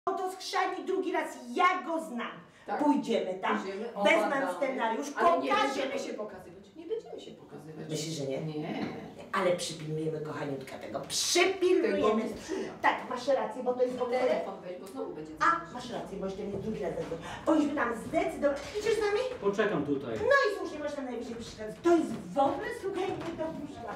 To skrzani drugi raz, ja go znam. Tak. Pójdziemy tam, wezmę scenariusz, ale nie będziemy się pokazywać. Nie będziemy się pokazywać. Myślisz, że nie? Nie. Ale przypilnujemy, kochaniutka, tego. Przypilnujemy. Tak, masz rację, bo to jest w ogóle... Telefon weź, bo znowu będzie coś. A, masz rację, bo jeszcze nie drugi raz zadzwonię. Powinniśmy tam zdecydować. Idziesz z nami? Poczekam tutaj. No i słusznie, możesz tam najwyżej przeszkadzać. To jest w ogóle, słuchaj, nie dopuszczalne.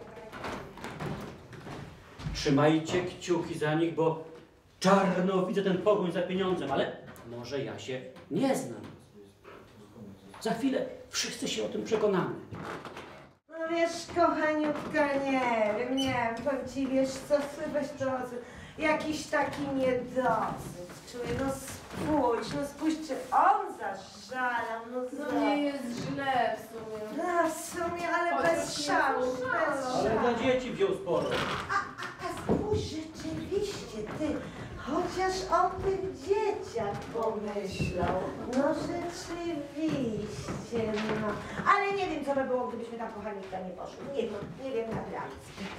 Trzymajcie kciuki za nich, bo czarno widzę ten pogoń za pieniądzem, ale może ja się nie znam. Za chwilę wszyscy się o tym przekonamy. No wiesz, kochaniutka, nie wiem, powiem ci, wiesz co, weź to, jakiś taki niedosyt czuję, no spójrz, czy on zaszalał, No nie jest źle w sumie. No w sumie, ale bez szału, bez Ale szału. dla dzieci wziął sporo. A spójrz, rzeczywiście, ty, chociaż o tych dzieciach pomyślał. No rzeczywiście, no. Ale nie wiem, co by było, gdybyśmy tam, kochaniutka, nie poszły. Nie wiem naprawdę.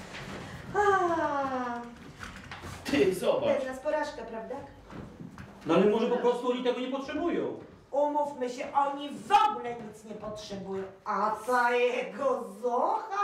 Ty, zobacz. To jest nas porażka, prawda? No ale może po prostu oni tego nie potrzebują. Umówmy się, oni w ogóle nic nie potrzebują. A ta jego Zocha?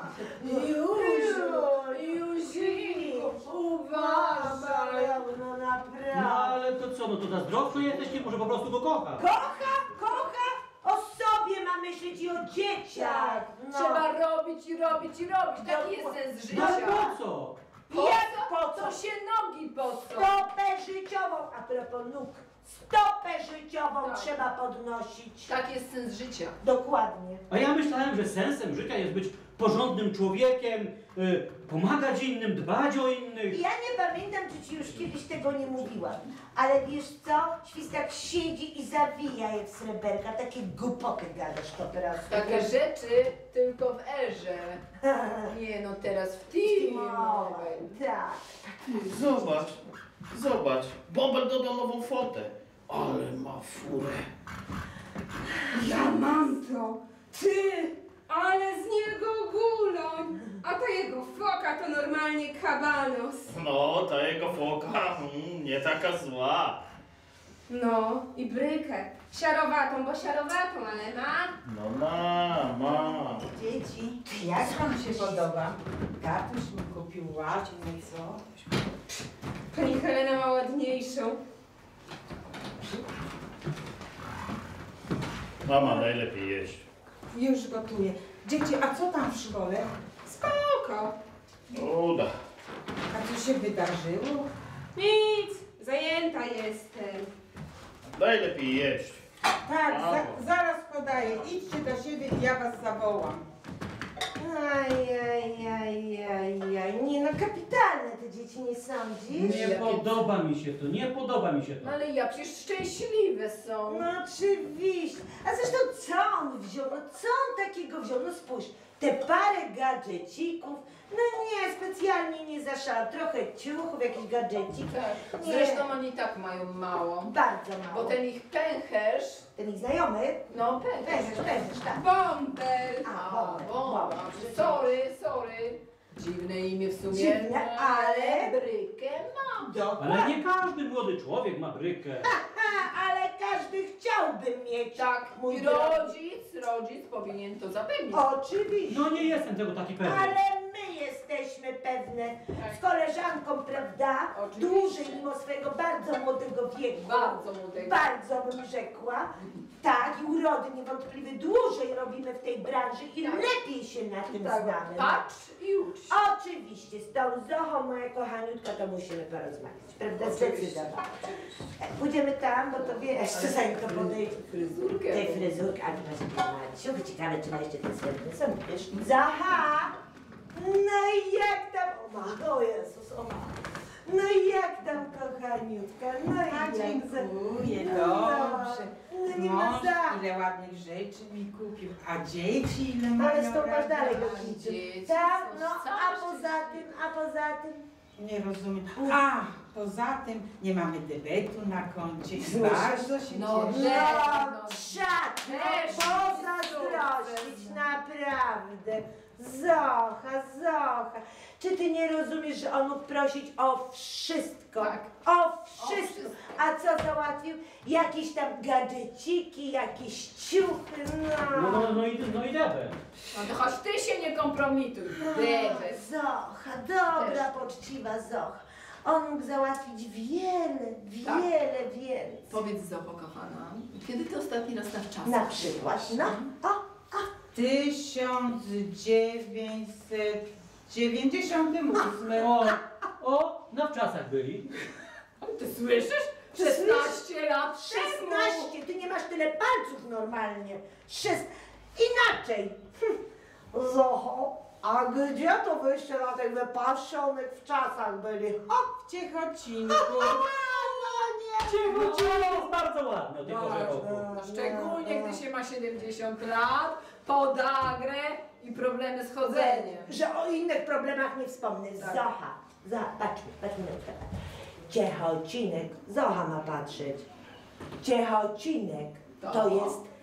Juziku, uważaj. No naprawdę. No ale to co, no to zazdrosny jesteś, nie może po prostu go kocha. Kocha, o sobie ma myśleć i o dzieciach. No. Trzeba robić i robić i robić. Taki jest sens No ale życia. po co? Jak po co? To się nogi po co? Stopę życiową, a propos nóg, stopę życiową Tak. trzeba podnosić. Tak jest sens życia. Dokładnie. A ja myślałem, że sensem życia jest być porządnym człowiekiem, pomagać innym, dbać o innych. Ja nie pamiętam, czy ci już kiedyś tego nie mówiłam, ale wiesz co? Świstak siedzi i zawija je w sreberka, takie głupoty gadasz to teraz. Takie rzeczy tylko w erze. Nie no, teraz w T-Mobile. Tak. Ty, zobacz. Bąbel dodał nową fotę. Ale ma furę. Ja mam to! Ty! Ale z niego guloń! A ta jego foka to normalnie kabanos. No, ta jego foka nie taka zła. No i brykę. Siarowatą, bo siarowatą, ale ma. No ma. Dzieci. Jak wam się podoba? Tatuś mi kupił ładnie, co? Pani Helena ma ładniejszą. Mama najlepiej jeść. Już gotuję. Dzieci, a co tam w szkole? Spoko. Uda. A co się wydarzyło? Nic, zajęta jestem. Najlepiej jeść. Tak, Brawo. zaraz podaję. Idźcie do siebie i ja was zawołam. Ajajajajaj. Nie no, kapitalne te dzieci, nie sądzisz? Nie podoba mi się to, nie podoba mi się to. No ale ja przecież szczęśliwe są. No oczywiście. A zresztą co on wziął? No co on takiego wziął? No spójrz, te parę gadżecików, no nie, specjalnie nie zaszalał. Trochę ciuchów, jakiś gadżecik. Tak. Nie. Zresztą oni tak mają mało. Bardzo mało. Bo ten ich pęcherz, Ten ich znajomy? no pęcherz. Pęcherz, tak. Bąbel! Bąbel. Sorry. Dziwne imię w sumie. Dziwne, ale- Brykę mam. Dokładnie. Ale nie każdy młody człowiek ma brykę. Ale każdy chciałby mieć. Tak, mój i drogi. rodzic powinien to zapewnić. Oczywiście. No nie jestem tego taki pewny. Ale my jesteśmy pewne Tak. z koleżanką, prawda? Oczywiście. Dłużej mimo swojego bardzo młodego wieku. Bardzo młodego. Bardzo bym rzekła. Tak, i urody niewątpliwie dłużej robimy w tej branży i Tak. lepiej się na tym Tak, znamy. patrz i ucz się. Oczywiście, z tą Zochą, moja kochaniutka, to musimy porozmawiać, prawda? Oczywiście. Zdecydowanie. Pójdziemy tam, bo to wiesz, co zanim to podejdzie. Fryzurkę. Tej fryzurki, ale Maciu, ciekawe, czy ma jeszcze ten srebrny są, wiesz? Zaha! No i jak tam, o Jezus, no i jak tam, kochaniutka, no i A jak dziękuję, No, dobrze. no nie ma Mąż za. ile ładnych rzeczy mi kupił, a dzieci ile mają Ale stąpasz dalej do radości. kitu. Dzieci Tak, są no, całe a poza tym, Nie rozumiem. A, poza tym nie mamy debetu na koncie. Słyszę. Bardzo się No, cieszę. no, czad, no, Też pozazdrościć, naprawdę. Zocha, Zocha, czy ty nie rozumiesz, że on mógł prosić o wszystko? Tak. O wszystko. wszystko. A co załatwił? Jakieś tam gadżeciki, jakieś ciuchy, No i debet. No to choć ty się nie kompromituj. Debet. Zocha, dobra, Też. poczciwa Zocha. On mógł załatwić wiele więcej. Powiedz Zocho, kochana, kiedy ty ostatni raz na wczasy? Na przykład, no, o, 1998. Na wczasach byli. Ty słyszysz? Ty 16 lat temu. 16, ty nie masz tyle palców normalnie. Inaczej. Zocho, a gdzie to wyście na tych wypasionych w czasach byli? W Ciechocinku. Cicho, jest bardzo ładne o tej porze roku. No, szczególnie gdy się ma 70 lat, podagrę i problemy z chodzeniem. Że o innych problemach nie wspomnę. Tak. Zocha, patrz mi na przykład. Ciechocinek, Zocha ma patrzeć. Ciechocinek to To jest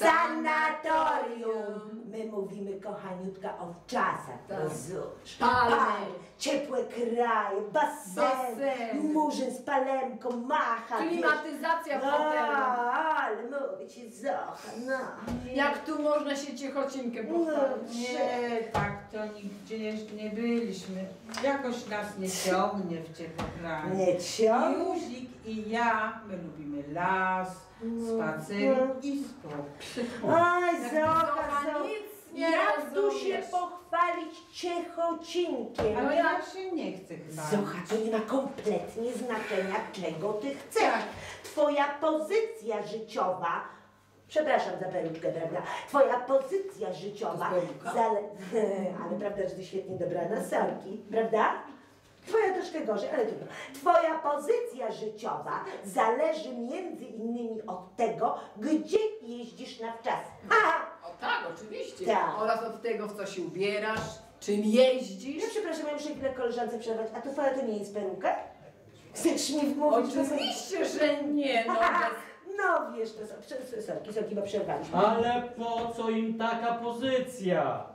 sanatorium. My mówimy, kochaniutka, o wczasach. Tak. Rozumiesz? Palmy. Ciepłe kraje, basen, murzyn z palemką, macha. Klimatyzacja w wiesz. hotelu. Ale mówię ci, Zocha, no. Jak tu można się Ciechocinkę pochwalić? Nie, tak to nigdzie jeszcze nie byliśmy. Jakoś nas nie ciągnie w ciepłe kraje. Nie ciągnie. Józik i ja, my lubimy las, spacer i sport. Oj, Zocha, Zocha, Zocha. nic nie Jak tu się rozumiesz. pochwalić Ciechocinkiem? Ale ja się nie chcę chyba. Zocha, to nie ma kompletnie znaczenia, czego ty chcesz. Tak. Twoja pozycja życiowa, przepraszam za peruczkę, prawda? Twoja pozycja życiowa, To jest peruka? ale prawda, że ty świetnie dobrana, sorki, prawda? Twoja troszkę gorzej, ale trudno. Twoja pozycja życiowa zależy między innymi od tego, gdzie jeździsz na wczas. Aha! O tak, oczywiście. Tak. Oraz od tego, w co się ubierasz, czym jeździsz. Ja przepraszam, ja muszę chwilę koleżance przerwać. A to twoja to nie jest peruka? Chcesz mi wmówić? że- Oczywiście, że nie, no. No wiesz, to są sorki, bo przerwaliśmy. Ale po co im taka pozycja?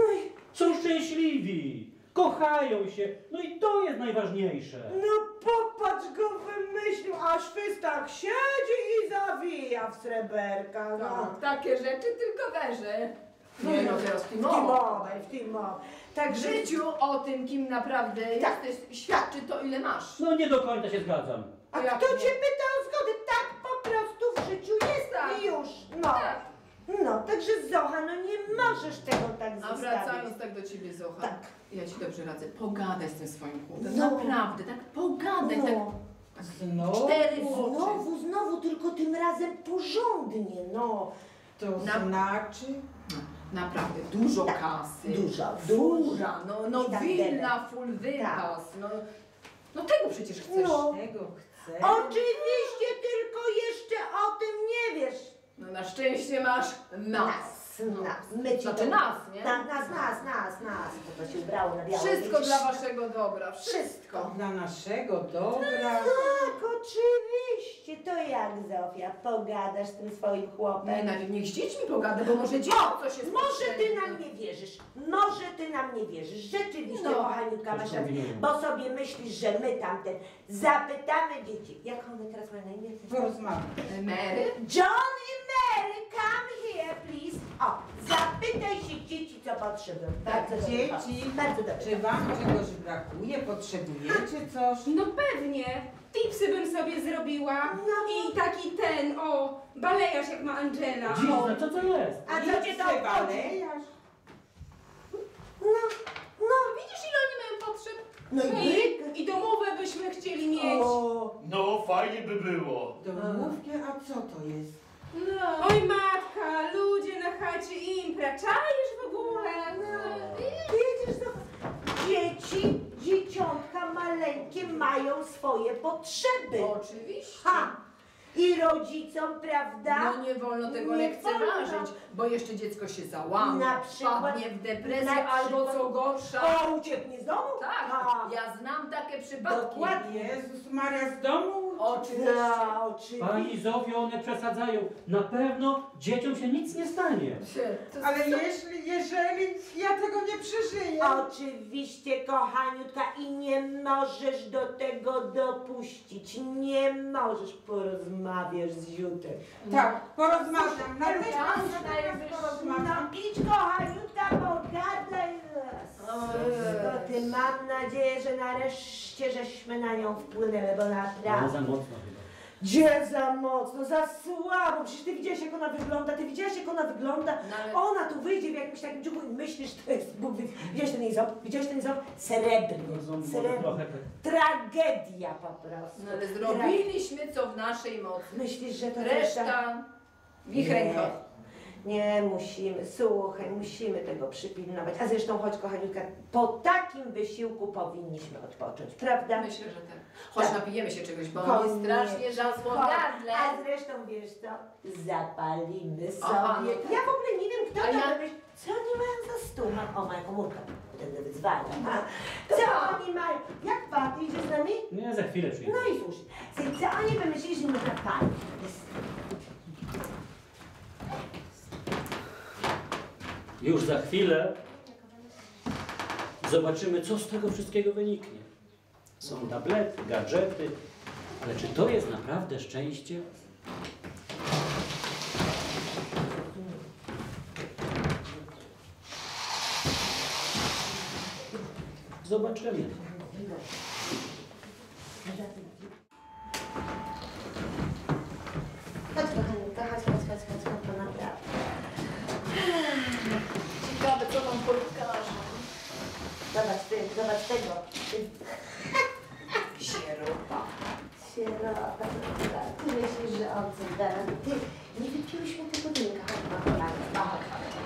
Są szczęśliwi, kochają się, no i to jest najważniejsze. No popatrz, go wymyślił, a szwystak siedzi i zawija w sreberka. No. Tak, takie rzeczy tylko werze. Nie no, teraz w tym obaj. W Także życiu o tym, kim naprawdę Tak. jesteś, świadczy to, ile masz. No nie do końca się zgadzam. a jak kto nie? cię pyta o zgodę? Tak po prostu w życiu jest Tak. i już. No. Tak. No, także Zocha, no nie możesz tego tak A zostawić. wracając tak do ciebie, Zocha, Tak. ja ci dobrze radzę, pogadaj z tym swoim chłopem. No. Naprawdę, tak pogadaj, tak No. Znowu? 4 w oczy. Znowu, tylko tym razem porządnie, no. To Na- znaczy? Naprawdę, dużo Tak, kasy. dużo. Fura, no I tak willa, full wypas, no tego przecież chcesz. No. Tego chcę. Oczywiście, tylko jeszcze o tym nie wiesz. No na szczęście masz nas. My ci Znaczy to- nas, nie? Nas. To się ubrało na biało. Wszystko widzisz? dla waszego dobra, Wszystko. Dla naszego dobra. Tak, oczywiście. To jak, Zofia, pogadasz z tym swoim Nie, chłopem? niech z dziećmi pogada, bo może dziecko coś jest Może ty potrzebne. nam nie wierzysz. Może ty nam nie wierzysz. Rzeczywiście, No. kochaniutka, masz rację. Kombinują. Bo sobie myślisz, że my tamten zapytamy dzieci. Jak one teraz mają na imię? Porozmawiaj. Mary? John i Mary, come here, please. O, zapytaj się dzieci, co potrzebują. Bardzo dobrze. Dzieci, Bardzo dobrze. czy wam czegoś brakuje? Potrzebujecie coś? No pewnie. Tipsy bym sobie zrobiła. I taki ten, balejarz jak ma Angela. Dziwne, co to jest? A co cię to obchodzi? balejarz? No, Widzisz, ile oni mają potrzeb? no i I domowe byśmy chcieli mieć. O, No, fajnie by było. Domówkę, a co to jest? No. Oj matka, ludzie na chacie impra, czaisz w ogóle? widzisz, to dzieciątka maleńkie mają swoje potrzeby. Oczywiście. Ha! I rodzicom, prawda? No nie wolno tego Nie lekceważyć, wolno. bo jeszcze dziecko się załamie, Na przykład- wpadnie w depresję na albo przykład- co gorsza. O, ucieknie z domu? Tak, Ha. ja znam takie przypadki. Dokładnie. Jezus Maria, z domu Oczywiście. Ja, oczywiście. Pani Zofio, one przesadzają. Na pewno dzieciom się nic nie stanie. Ale jeżeli ja tego nie przeżyję. Oczywiście, kochaniutka, i nie możesz do tego dopuścić. Nie możesz. Porozmawiasz z Ziutek. Tak, porozmawiam. Najwyższy. Porozmawiam. No idź, kochaniutka, pogadaj nas. To ty, mam nadzieję, że nareszcie żeśmy na nią wpłynęły, bo Ale naprawdę... za mocno chyba. Gdzie za mocno, za słabo, przecież ty widziałeś jak ona wygląda, No ale- Ona tu wyjdzie w jakimś takim ciuchu i myślisz, że to jest Bóg. Widziałeś ten ząb? Srebrny, Może srebrny. trochę Tragedia po prostu. No ale zrobiliśmy co w naszej mocy. Myślisz, że to Reszta w ich rękach. Nie, musimy, słuchaj, musimy tego przypilnować. A zresztą, chodź kochaniutka, po takim wysiłku powinniśmy odpocząć, prawda? Myślę, że tak. Chodź Tak. napijemy się czegoś, bo Koniecznie. mi strasznie żasło w gardle. A zresztą wiesz co? Zapalimy sobie. Aha, no Ja w ogóle nie wiem, kto A to ja- wymyślił. Co oni mają za stół? O, moja komórka. Będę wyzwala. Co oni mają? Jak pan? Ty idziesz z nami? Nie, za chwilę przyjdę. No i słusznie. Słuchaj, co oni wymyślili, że nie zapali? Już za chwilę zobaczymy, co z tego wszystkiego wyniknie. Są tablety, gadżety, ale czy to jest naprawdę szczęście? Zobaczymy. Chodź kochaniutka, chodź, to naprawdę. Ciekawe, co wam pokażą. Zobacz tego. Sieropa. Sierota, ty myślisz, że on coś da? Ty, nie wypiłyśmy tego drinka. Chodź.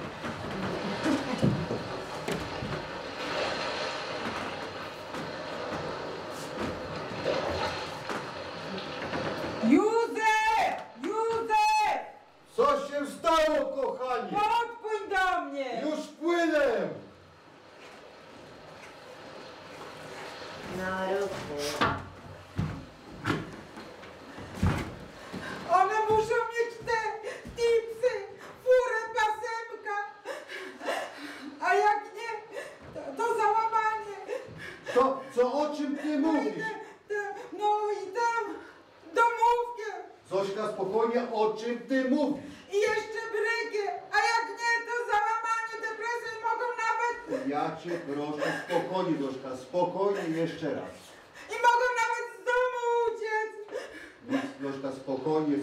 Józef! Co się stało, kochanie? Podpłyń do mnie! Już płynę! No ruchy. One muszą mieć te tipsy, furę, pasemka. A jak nie, to załamanie. O czym ty mówisz? No i tam domówkę. Zośka, spokojnie, o czym ty mówisz? I jeszcze brykę. A jak nie, to załamanie, depresje mogą nawet... Ja cię proszę, spokojnie, Zośka, spokojnie jeszcze raz. I mogą nawet z domu uciec. Nic, Zośka, spokojnie.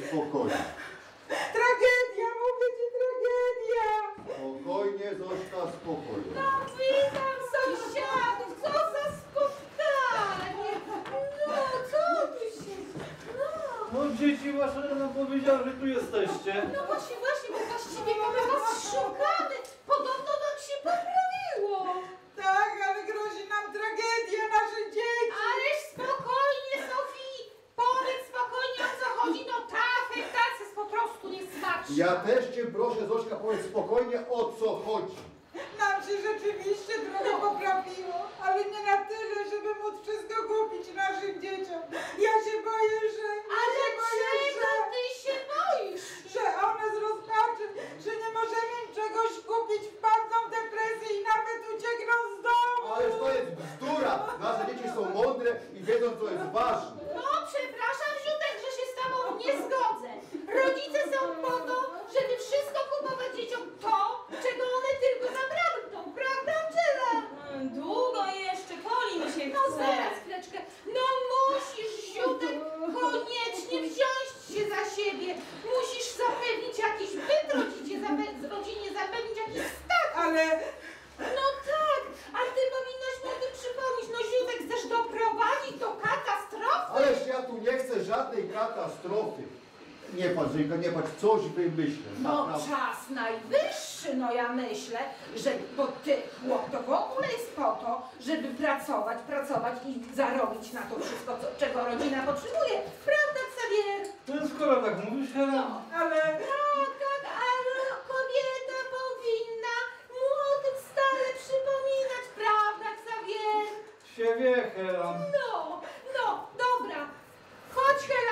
Tragedia, mówię ci, tragedia. Spokojnie, Zośka, spokojnie. Witam sąsiadów, co za spotkanie! No, co tu się... No dzieci, wasza nam powiedziała, że tu jesteście. No właśnie, bo właściwie to my was szukamy. Podobno nam się poprawiło. Tak, ale grozi nam tragedia, nasze dzieci. Ależ spokojnie, Sofii. Powiedz spokojnie, o co chodzi. No ta afektacja jest po prostu niesmaczna. Ja też cię proszę, Zośka, powiedz spokojnie, o co chodzi. Nam się rzeczywiście trochę poprawiło, ale nie na tyle, żeby móc wszystko kupić naszym dzieciom. Ja się boję, że... Ale ja się boję, czego ty się boisz? że one z rozpaczy, że nie możemy im czegoś kupić, wpadną w depresję i nawet uciekną z domu. Ależ to jest bzdura. Nasze dzieci są mądre i wiedzą, co jest ważne. No, przepraszam, Ziutek, że się z tobą nie zgodzę. Rodzice są po to, żeby wszystko kupować dzieciom to, czego one tylko zapragną. Prawda, Angela? Długo jeszcze, Poli mi się No chce. zaraz, chwileczkę. No musisz, Ziutek, koniecznie wziąć się za siebie. Musisz zapewnić jakiś byt rodzinie, zapewnić jakiś status. Ale No tak, ale ty powinnaś mu o tym przypomnieć. No Ziutek, chcesz doprowadzić do katastrofy? Ależ ja tu nie chcę żadnej katastrofy. Nie patrz, Żeńka, nie patrz, coś wymyślę. No Naprawdę. czas najwyższy, no ja myślę, że bo ty, chłop, to w ogóle jest po to, żeby pracować i zarobić na to wszystko, czego rodzina potrzebuje. Prawda, Xavier? No skoro tak mówisz, Hela, ale Tak, ale kobieta powinna mu o tym stale przypominać, prawda, Xavier? się wie, Hela. No, dobra. Chodź, Hela,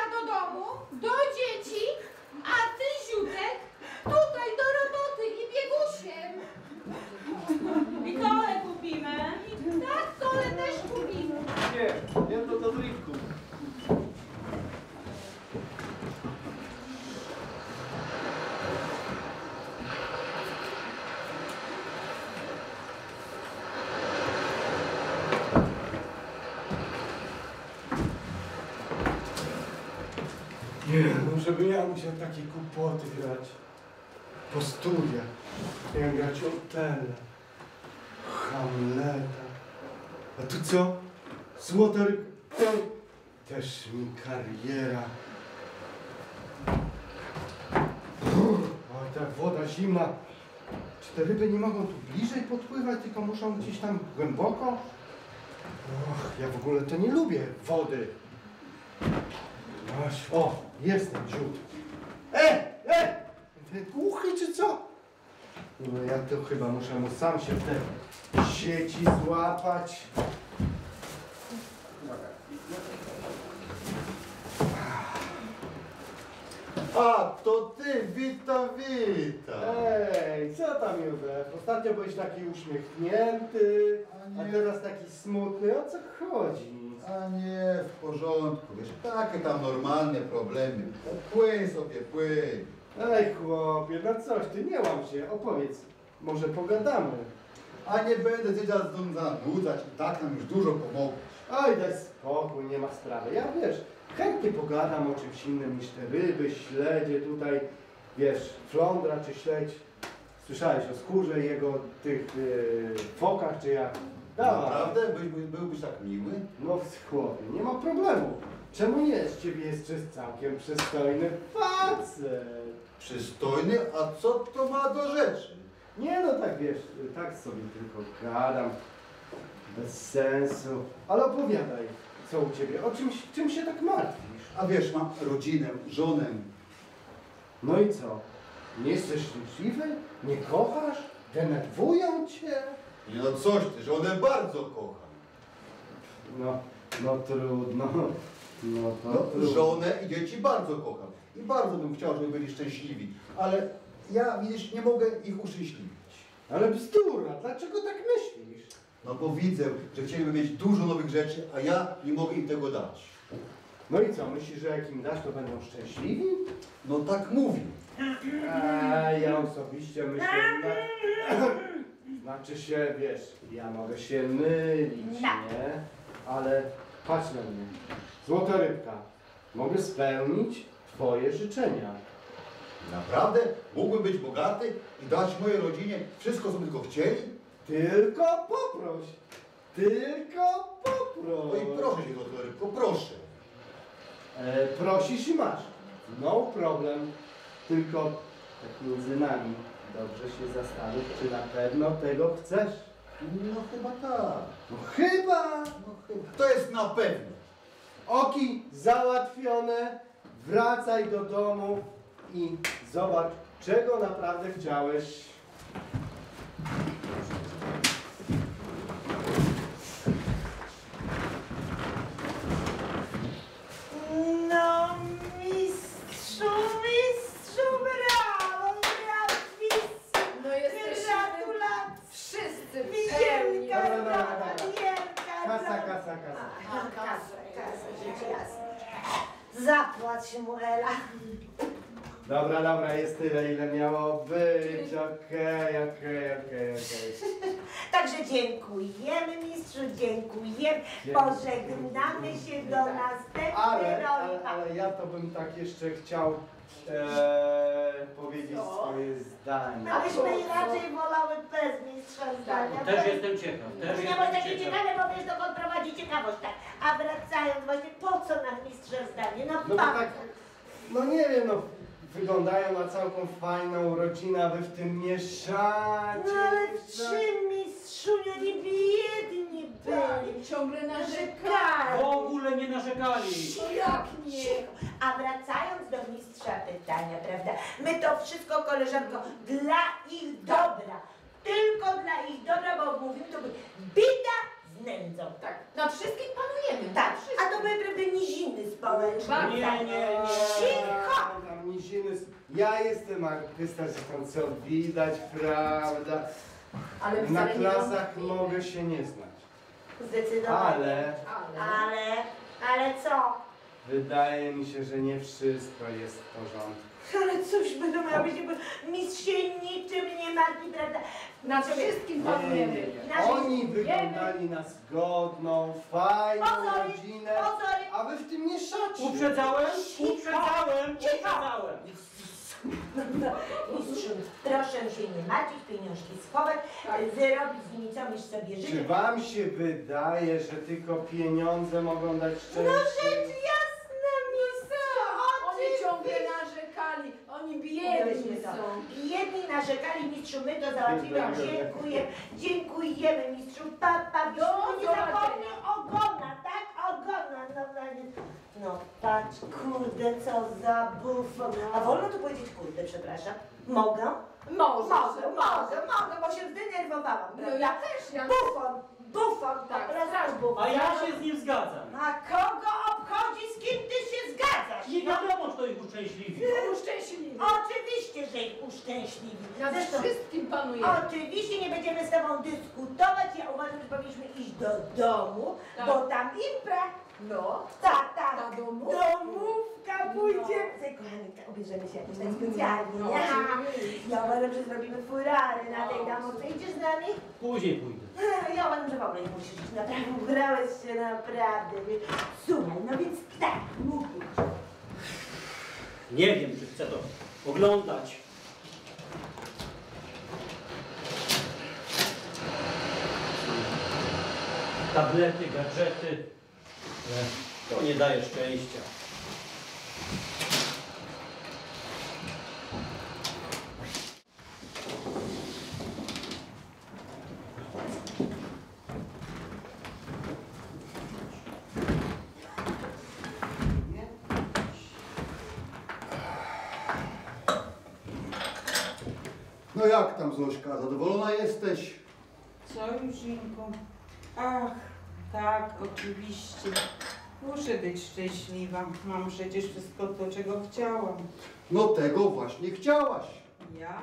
Nie, no żeby ja musiał takie kłopoty grać. Po studiach. Miałem grać Otella, Hamleta. A tu co? Złota rybka. Też mi kariera. Oj, ta woda zimna. Czy te ryby nie mogą tu bliżej podpływać, tylko muszą gdzieś tam głęboko? Och, ja w ogóle to nie lubię wody. O, jest ten dziób. Ten głuchy czy co? No ja to chyba muszę mu sam się w te sieci złapać. A, to ty, witam. Ej, co tam Józef? Ostatnio byłeś taki uśmiechnięty, a teraz taki smutny. O co chodzi? A nie, w porządku, wiesz, takie tam normalne problemy. Płyń sobie, płyń. Ej chłopie, no coś ty, nie łam się, opowiedz. Może pogadamy. A nie będę cię teraz zanudzać, i tak nam już dużo pomogłeś. Oj, daj spokój, nie ma sprawy. Ja wiesz, chętnie pogadam o czymś innym niż te ryby, śledzie tutaj, wiesz, flądra czy śledź. Słyszałeś o skórze jego tych fokach czy jak? Dawaj. Naprawdę? Byłbyś tak miły? No chłopie, nie ma problemu. Czemu nie? Z ciebie jest całkiem przystojny facet. Przystojny? A co to ma do rzeczy? Nie no tak wiesz, tak sobie tylko gadam. Bez sensu. Ale opowiadaj, co u ciebie, o czym się tak martwisz? A wiesz, mam rodzinę, żonę. No i co? Nie jesteś szczęśliwy? Nie kochasz? Denerwują cię? Nie no coś ty, żonę bardzo kocham. No trudno. No to No, trudno. żonę i dzieci bardzo kocham. I bardzo bym chciał, żeby byli szczęśliwi. Ale ja, widzisz, nie mogę ich uszczęśliwić. Ale bzdura, dlaczego tak myślisz? No bo widzę, że chcieliby mieć dużo nowych rzeczy, a ja nie mogę im tego dać. No i co, myślisz, że jak im dasz, to będą szczęśliwi? No tak mówił. Ja osobiście myślę, znaczy się, wiesz, ja mogę się mylić, nie? Ale patrz na mnie, złota rybka, mogę spełnić twoje życzenia. Naprawdę? Mógłbym być bogaty i dać mojej rodzinie wszystko, co by tylko chcieli? Tylko poproś, tylko No poproś. i proszę cię, złota rybko, proszę. Prosisz i masz, no problem, tylko tak między nami, dobrze się zastanów, czy na pewno tego chcesz. No chyba tak. No chyba. No chyba. To jest na pewno. Oki załatwione, wracaj do domu i zobacz, czego naprawdę chciałeś. No mistrzu, brawo, brawissimo. No jesteśmy Gratulacje. wszyscy w Wielka pełni. Dobra, zroba, dobra. wielka Kasa, zroba. kasa. Kasa, rzecz jasna. Zapłać mu, Ela. Dobra, jest tyle, ile miało być. Okej. Także dziękujemy mistrzu, dziękujemy. Pożegnamy się do następnej roli. Ale ja to bym tak jeszcze chciał powiedzieć swoje zdanie. Abyśmy raczej wolały bez mistrza zdania. Też jestem ciekaw. Też Nie bądź jestem takie ciekaw. ciekawe, bo wiesz, dokąd prowadzi ciekawość, tak. A wracając właśnie, po co nam mistrza zdanie? No bo tak, no nie wiem, no wyglądają na całką fajną rodzinę, a wy w tym mieszacie. No ale w czym mistrzunio nie biedni byli? Ciągle narzekali. Narzekali. W ogóle nie narzekali. Jak nie? Cicho. A wracając do mistrza pytania, prawda? My to wszystko, koleżanko, dla ich dobra. Tylko dla ich dobra, bo mówimy, to by bida z nędzą. Tak, nad wszystkim panujemy. Tak, nad wszystkim. a to były prawda niziny społeczne. Nie. Cicho! Tam niziny. Ja jestem artysta, że tam co widać, prawda? Ale Na wcale nie klasach wątpimy. mogę się nie znać. Zdecydowanie. Ale Ale co? wydaje mi się, że nie wszystko jest w porządku. Ale cóż będą robić, bo mistrz się niczym nie martwi, prawda? Nad wszystkim panujemy. Oni wyglądali na zgodną, fajną Pozory, rodzinę, pozory. a wy w tym mieszacie. Uprzedzałem? No, mistrzu, proszę się nie martwić, pieniążki schować, wyrobić z nimi co byś sobie Czy życzył. wam się wydaje, że tylko pieniądze mogą dać szczęście? No rzecz jasna, mistrzu, Oni ciągle narzekali, oni biedni są. Jedni narzekali, mistrzu, my to załatwimy. Dziękujemy, mistrzu. Papa, nie zapomnij ogona, tak? Ogona. No patrz, kurde, co za bufon. A wolno tu powiedzieć kurde, przepraszam? Mogę? Może. Mogę, bo się zdenerwowałam, No prawda? ja też, ja Bufon, Tak, tak, bufon. A ja się z nim zgadzam. A kogo obchodzi, z kim ty się zgadzasz? Nie wiadomo, czy to ich uszczęśliwi. Uszczęśliwi. Oczywiście, że ich uszczęśliwi. Nad Zresztą, wszystkim panuje. oczywiście nie będziemy z tobą dyskutować. Ja uważam, że powinniśmy iść do domu, Tak. bo tam impra. No. Tak. Ta domówka. Domówka pójdzie. Kochani, ubierzemy się jakoś tak specjalnie. No, nie? oczywiście. Ja uważam, że zrobimy furary na tej domówce. Idziesz z nami? Później pójdę. Ja uważam, że w ogóle nie musisz iść. Naprawdę, ubrałeś się naprawdę. Słuchaj, no więc tak, mówisz. Nie wiem, czy chcę to oglądać. Tablety, gadżety. To nie daje szczęścia. No jak tam, Zośka, zadowolona jesteś? Co, Jużynku? Ach, tak, oczywiście. Muszę być szczęśliwa. Mam przecież wszystko to, czego chciałam. No tego właśnie chciałaś. Ja?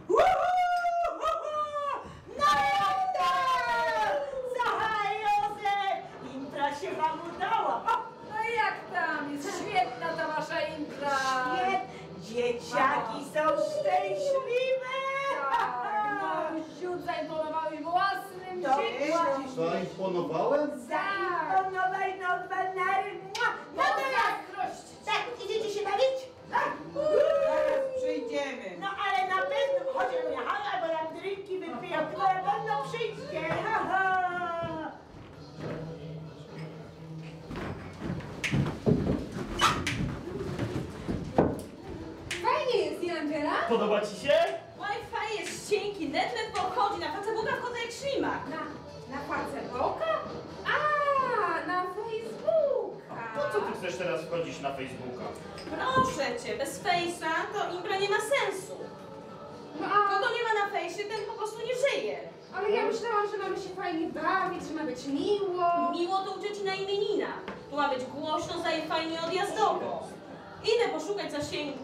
No jak tak! Słuchaj, Józef! Impra się wam udała. No jak tam? Jest świetna ta wasza impra. Dzieciaki są szczęśliwe! Tak, no, ziód zaimponował mi własnym To dzieciom. Zaimponowałem? Zaimponowaj nowe nary. No to jak? Tak, idziecie się bawić? Tak. Zaraz przyjdziemy. No ale na pewno, chodź albo nam drinki wypiją, to na pewno przyjdzie. Ha, ha. Fajnie jest, nie Angela? Podoba ci się? Wi-Fi jest cienki, net pochodzi, na Facebooka wchodzę jak ślimak. Na Facebooka? A, na Facebooka. Po co ty chcesz teraz wchodzić na Facebooka? Proszę cię, bez Face'a to impra nie ma sensu. No a, Kogo nie ma na fejsie, ten po prostu nie żyje. ale ja myślałam, że mamy się fajnie bawić, że ma być miło. Miło to u cioci na imienina. Tu ma być głośno, za i fajnie odjazdowo. Idę poszukać zasięgu.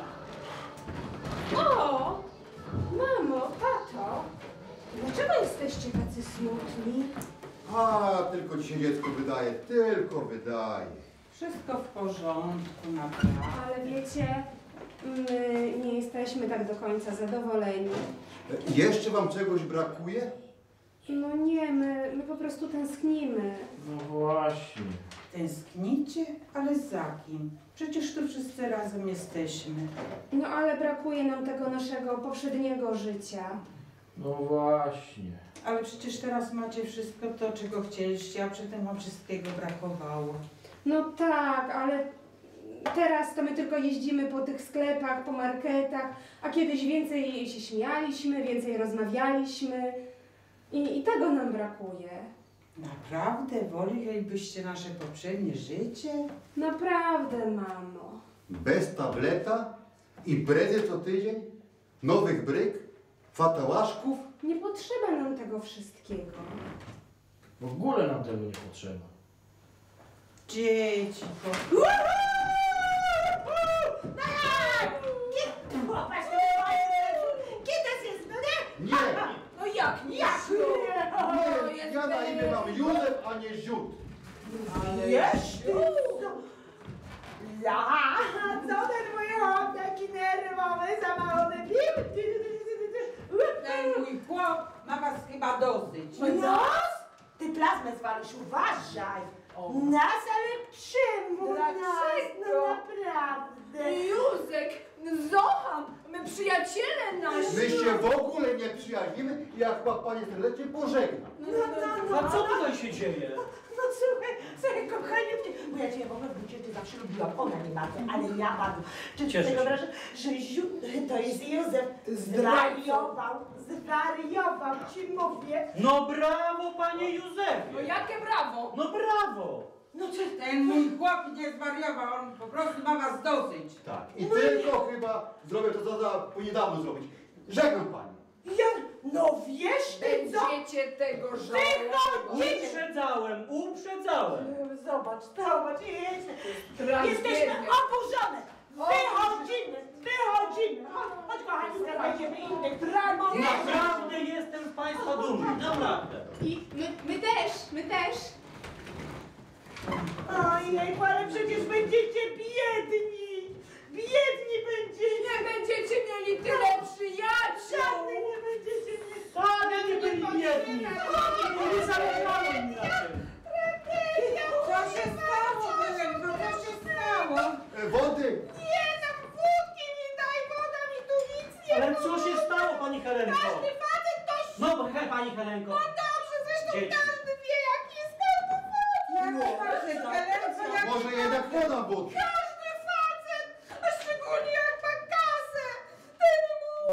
O, mamo, tato, dlaczego jesteście tacy smutni? A, tylko ci się dziecko wydaje, tylko wydaje. Wszystko w porządku, naprawdę. Ale wiecie, my nie jesteśmy tak do końca zadowoleni. Jeszcze wam czegoś brakuje? No nie, my po prostu tęsknimy. No właśnie. Tęsknicie? Ale za kim? Przecież tu wszyscy razem jesteśmy. No ale brakuje nam tego naszego poprzedniego życia. No właśnie. Ale przecież teraz macie wszystko to, czego chcieliście, a przedtem wam wszystkiego brakowało. No tak, ale teraz to my tylko jeździmy po tych sklepach, po marketach, a kiedyś więcej się śmialiśmy, więcej rozmawialiśmy i tego nam brakuje. Naprawdę? Wolelibyście nasze poprzednie życie? Naprawdę, mamo. Bez tableta i brezy co tydzień? Nowych bryk? Fatałaszków? Nie potrzeba nam tego wszystkiego. W ogóle nam tego nie potrzeba. Dzieci, Popatrz, kiedy jest, no nie? Nie! No jak nie? Nie! Ja na imię mam Józef, a nie Ziód. Jeszcze? Ja, co ten mój chłop taki nerwowy, za mało wypił? ten mój chłop ma was chyba dosyć. Nos? Ty plazmę zwalisz, uważaj. Nas, ale czemu nas? przyjacielem naszym. My się w ogóle nie przyjaźnimy i jak panie serdecznie pożegna. A co tutaj się dzieje? No słuchaj, kochanie, bo ja cię w ogóle w bucie zawsze lubiłam, ona nie bardzo, ale ja bardzo. Czy ty Cieszę sobie się. wyobrażasz, że to jest Józef, zwariował, ci mówię. No brawo, panie Józefie! No jakie brawo! No brawo! No co Ten mój chłop nie zwariował, on po prostu ma was dosyć. Tak. I tylko chyba zrobię to, co niedawno zrobić. Żegnam pani. ja, no wiesz ty co? Będziecie tego żałować. Uprzedzałem! Zobacz, jesteśmy Tragedia. oburzone. Wychodzimy. Chodź kochani, znajdziemy innych dramów. Naprawdę jestem z państwa dumny, naprawdę. I my też. Ojej, ale przecież będziecie biedni. Biedni będziecie. Nie będziecie mieli tyle przyjaciół. Żadnej nie będziecie mieli. Wcale nie byli biedni! Nie zależało mi na tym! Co się stało, Helenko, co się stało? Wody! Nie, tam wódki mi daj, woda mi tu nic nie Ale co się stało, pani Helenko? Każdy facet to No, pani Helenko. dobrze, zresztą Dzieci. każdy wie, jak jest to. Jak to facet, Helenko, jak Może jednak woda wódki.